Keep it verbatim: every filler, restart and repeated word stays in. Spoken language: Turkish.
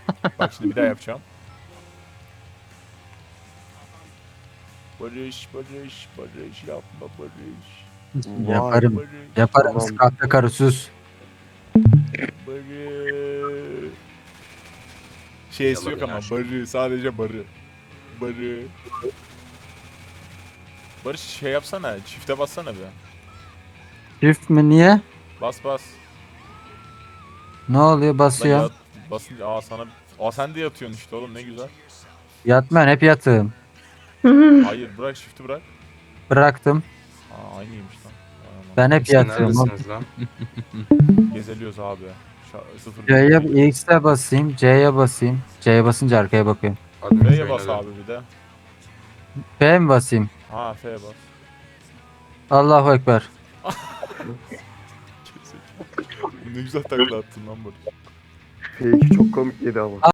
Bak şimdi bir daha yapacağım. Barış, barış, barış, yapma barış. Vay. Yaparım. Barış, Yaparım. Tamam. Kahpe karı sus. barış. Şeysi yok ama barı, sadece barı. Barı. Barış şey yapsana, çifte bassana bir. Çift mi niye? Bas bas. Ne oluyor Lan basıyor. yat, basınca aa sana, aa sen de yatıyorsun işte oğlum ne güzel. Yatmayan hep yatığım. Hayır bırak shift'i bırak. Bıraktım. Aa aynıymış lan. Vay aman. Ben hep Siz yatığım. neredesiniz lan? Gezeliyoruz abi. Şa- sıfır C'ye bir- X'e basayım. C'ye basayım. C'ye basınca arkaya bakıyorum. Admin F'ye köyüne bas dön. abi bir de. F mi basayım? Ha F'ye bas. Allahu Ekber. Ne güzel takla attın lan Barış. F iki çok komik yedi ama.